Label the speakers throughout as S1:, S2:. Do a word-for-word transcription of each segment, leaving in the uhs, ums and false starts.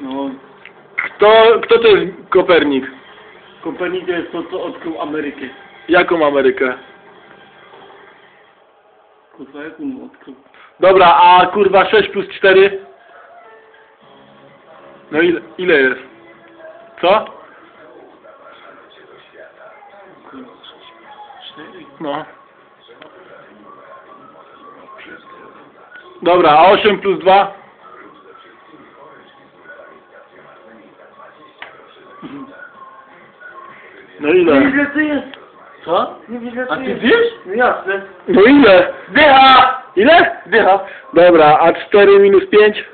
S1: No.
S2: Kto, kto to jest Kopernik?
S1: Kopernik to jest to, co odkrył Amerykę.
S2: Jaką Amerykę?
S1: Kurwa, jak on odkrył?
S2: Dobra, a kurwa sześć plus cztery? No ile, ile jest? Co?
S1: cztery.
S2: No. Dobra, a osiem plus dwa? No ile?
S1: Ile to jest? Co?
S2: Ile
S1: A ty wiesz? No jasne.
S2: No ile?
S1: Dycha!
S2: Ile?
S1: Dycha.
S2: Dobra, a cztery minus pięć?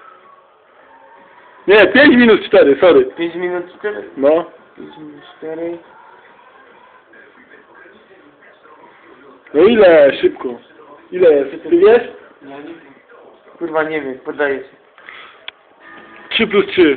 S2: Nie, pięć minus cztery, sorry.
S1: pięć minut cztery.
S2: No.
S1: pięć minut cztery.
S2: No ile? Szybko. Ile jest? Ty wiesz?
S1: Ja nie wiem. Kurwa nie wiem, poddaję się.
S2: trzy plus trzy.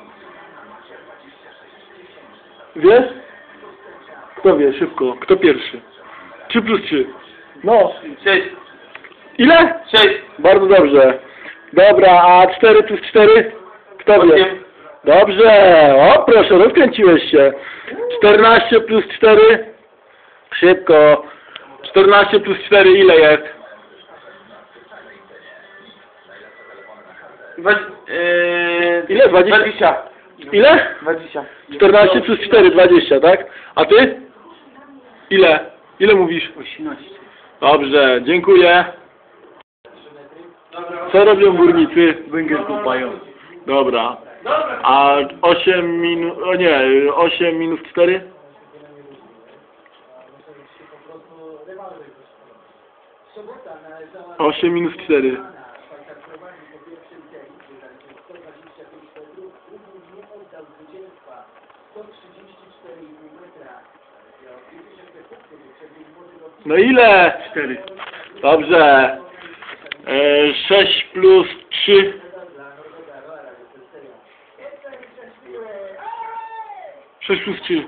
S2: Wiesz? Kto wie? Szybko. Kto pierwszy? trzy plus trzy. No.
S1: sześć.
S2: Ile?
S1: sześć.
S2: Bardzo dobrze. Dobra, a cztery plus cztery? Kto wie?
S1: osiem.
S2: Dobrze. O, proszę, rozkręciłeś się. czternaście plus cztery? Szybko. czternaście plus cztery ile jest?
S1: Dwa, yy,
S2: Ile? Dwadzieścia?
S1: dwadzieścia.
S2: Ile?
S1: dwadzieścia.
S2: czternaście plus cztery, dwadzieścia, tak? A ty? Ile? Ile mówisz?
S1: osiemnaście.
S2: Dobrze, dziękuję. Co robią górnicy?
S1: Węgiel kopają.
S2: Dobra. A osiem minus... O nie, osiem minus cztery? osiem minus cztery. No ile?
S1: cztery.
S2: Dobrze. E, sześć plus trzy. sześć plus trzy.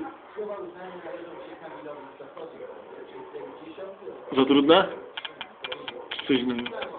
S2: Za trudne? Czy coś innego?